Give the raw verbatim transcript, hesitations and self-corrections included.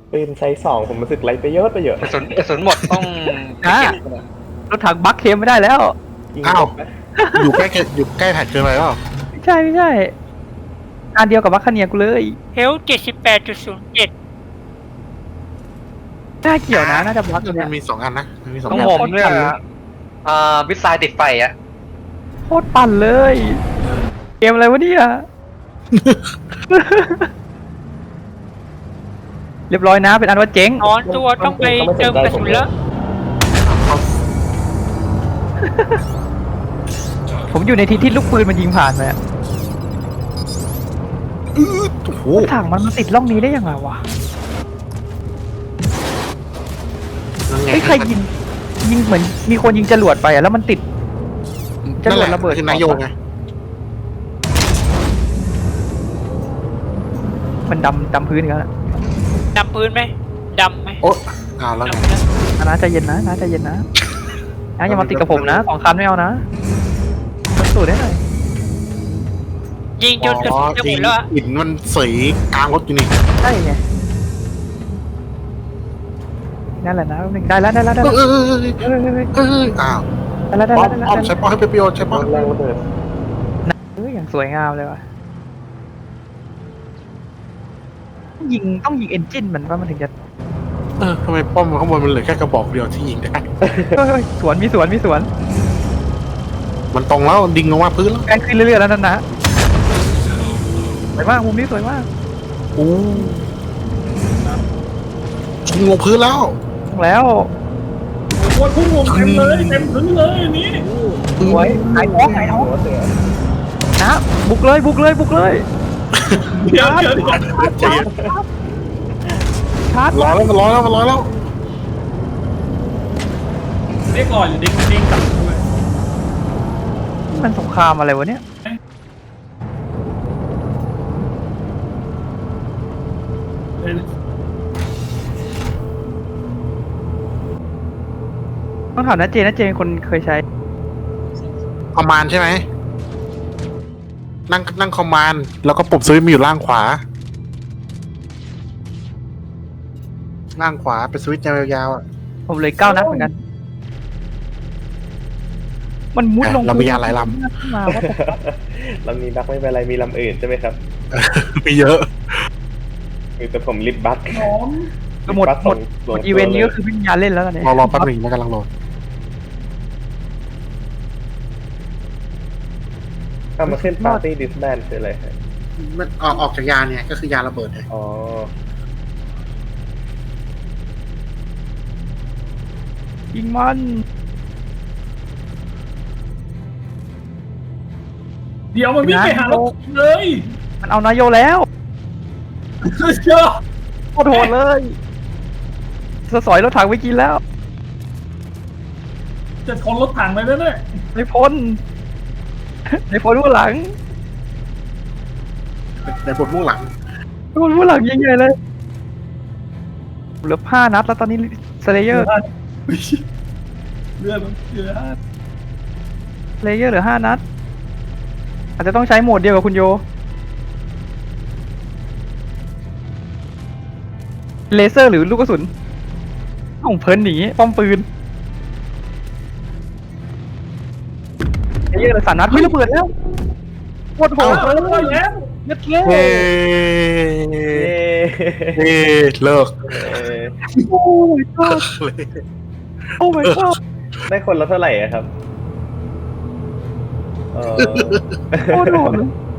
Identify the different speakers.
Speaker 1: ปืนไซส์สองผมรู้สึกไรประโยชน์ประโยชน์
Speaker 2: กระสุนกระสุนหมดต้อง
Speaker 3: อ่ะรถถังบัคเคมไม่ได้แล้ว
Speaker 1: ยิง
Speaker 4: อ้าว
Speaker 1: หมดนะ
Speaker 4: อยู่ใกล้อยู่ใกล้แผ่นเกินไปเปล่า
Speaker 3: ไม่ใช่ไม่ใช่อันเดียวกับบัคคาเนียกูเลย
Speaker 5: เฮลเจ็ดสิบแปดจุดศูนย์เจ็ด
Speaker 3: น่าเกี่ยวนะน่าจะบัค
Speaker 4: มัน
Speaker 3: เนี่ย
Speaker 4: มีสองอันนะมันมีสอง
Speaker 2: ต้อ
Speaker 4: อั
Speaker 2: ง
Speaker 4: น
Speaker 2: ผมเนี่ยอ่าวิสไซด์ติดไฟอ่ะ
Speaker 3: โคตรปั่นเลย เกมอะไรวะเนี่ย เรียบร้อยนะเป็นอันว่าเจ๊ง
Speaker 5: นอนตัวต้องไปเติมกระสุนแล้ว
Speaker 3: ผมอยู่ในที่ที่ลูกปืนมันยิงผ่านไปอะ
Speaker 4: โอ้โห
Speaker 3: รถถังมันมาติดร่องนี้ได้ยังไงวะ
Speaker 4: นั่นไง
Speaker 3: เฮ้ยใครยิงยิงเหมือนมีคนยิงจรวดไปอะแล้วมันติด
Speaker 4: นั่นแหละ
Speaker 3: จรวดระเบิด
Speaker 4: คือนายโยไง
Speaker 3: มันดำดำพื้นอีกันแล้ว
Speaker 5: ดำพื้นไหมดำไหม
Speaker 4: โอ๊ะอ้าวแล้วไง
Speaker 5: ดำนะ
Speaker 3: นะใจเย็นนะนะใจเย็นนะนะอย่ามาติดกับผมนะสองคันไม่เอานะมันสูดได้หน่อย
Speaker 5: ยิงจนกระสุนจะหมดแล้วอะ
Speaker 4: หินมันสีกลางรถอยู่นี่
Speaker 3: ใช่ไงนั่นแหละนะหนึ่งได้แล้วได้แล้วได้
Speaker 4: เอ
Speaker 3: แล้ว
Speaker 4: อเออเออ
Speaker 3: เฮ้ยเฮ้ยเฮ้ยเฮ้ย
Speaker 4: เอออ้าว
Speaker 3: ได้แล้วได้
Speaker 4: ป้อ
Speaker 3: แล้ว
Speaker 4: ม
Speaker 3: ได้
Speaker 4: ป้อม
Speaker 3: แล้ว
Speaker 4: ใช้ป้อมให้เป็นประโยชน์ใช้ป้อม
Speaker 1: แรงระเบิด
Speaker 3: เฮ้ยอย่างสวยงามเลยว่ะยิงต้องยิงเอนจินมันว่ามันถึงจะ
Speaker 4: เออทำไมป้อมข้างบนมันเหลือแค่กระบอกเดียวที่ยิงได้
Speaker 3: เฮ้ยเฮ้ยสวนมีสวนมีสวน
Speaker 4: มันตรงแล้วดิ่งลงมาพื้นแล้ว
Speaker 3: แกล้งขึ้นเรื่อยๆแล้วนั่นนะสวยมากมุมนี้สวยมาก
Speaker 4: โอ้ยิงลงพื้นแล้ว
Speaker 3: แล้ว
Speaker 6: โอ้ยพุ่งลงเต็มเลยเต็มพื้นเลยอันนี้
Speaker 3: สวยหายท้องหายท้อง
Speaker 1: หัวเสือ
Speaker 3: นะบุกเลยบุกเลยบุกเลย
Speaker 6: เดี๋ยวเดี๋ยวเดี๋ยว
Speaker 4: ใจเย็น
Speaker 3: ชาร์จ
Speaker 4: ร้อยแล้วมันร้อยแล้วมันร้อยแล้ว
Speaker 6: เรียกก่อนหรือเด็กเด้งกลับด้วย
Speaker 3: มันสงครามอะไรวะเนี่ย
Speaker 6: เฮ้ย
Speaker 3: ต้องถามนะเจนะเจเป็นคนเคยใช้
Speaker 4: คอมมานด์ใช่ไหมนั่งนั่งคอมมานด์แล้วก็ปุ่มสวิตช์มันอยู่ล่างขวา ล่างขวาเป็นสวิตช์ยาวๆอ่ะ
Speaker 3: ผมเลยเก้านัดเหมือนกัน มันมุดลง
Speaker 4: เรามียาหลายล
Speaker 3: ขึ้นมาว่า
Speaker 1: ลำนี้บักไม่เป็นไรมีลำอื่นใช่ไหมครับ
Speaker 4: ำมีเยอะ
Speaker 1: มีแต่ผมลิบบัก
Speaker 6: หอม
Speaker 3: ก็หมดหมดหมดอีเวนต์นี้ก็คือไม่มีงานเล่นแล้วตอนนี้
Speaker 4: รอรอแป๊บหนึงมันกำลังโหลด
Speaker 1: ถ้ามาขึ้นปาร์ตี้ดิสแบนคืออะไรครับ
Speaker 4: มันออกออกจากยานเนี่ยก็คือยาระเบิดไง
Speaker 1: อ๋อ
Speaker 3: ยิงมัน
Speaker 6: เดี๋ยวมันวิ่งไปหารถเลย
Speaker 3: มันเอานายโยแล้ว
Speaker 6: เชื่อ
Speaker 3: โคตรโหดเลยสสอยรถถังไปกินแล้ว
Speaker 6: จะชนรถถังเลยนะเนี่ย
Speaker 3: ในพ้นในพ้นผู้หลัง
Speaker 4: ในบทมุ่งหลัง
Speaker 3: ในพ้นผู้หลังยิงใหญ่เลยเหลือห้านัดแล้วตอนนี้สเลเยอร์
Speaker 6: เลือดมันเลือด
Speaker 3: สเลเยอร์เหลือห้านัดอาจจะต้องใช้โหมดเดียวกับคุณโยเลเซอร์หรือลูกกระสุนต้องเพลินหนีป้อมปืนสเลเยอร์เหลือสามนัดไม่ระเบิดแล้วโคตรโหด
Speaker 6: เออแล้วแล้ว
Speaker 3: เย็ดเล่
Speaker 4: เฮ้
Speaker 1: เย้
Speaker 4: เฮ้เลิก
Speaker 1: เออ
Speaker 3: โอ้ my god
Speaker 4: เลย
Speaker 3: โอ้ my god
Speaker 1: ได้คนละเท่าไหร่อะครับเออ
Speaker 3: โคตรโหดเลย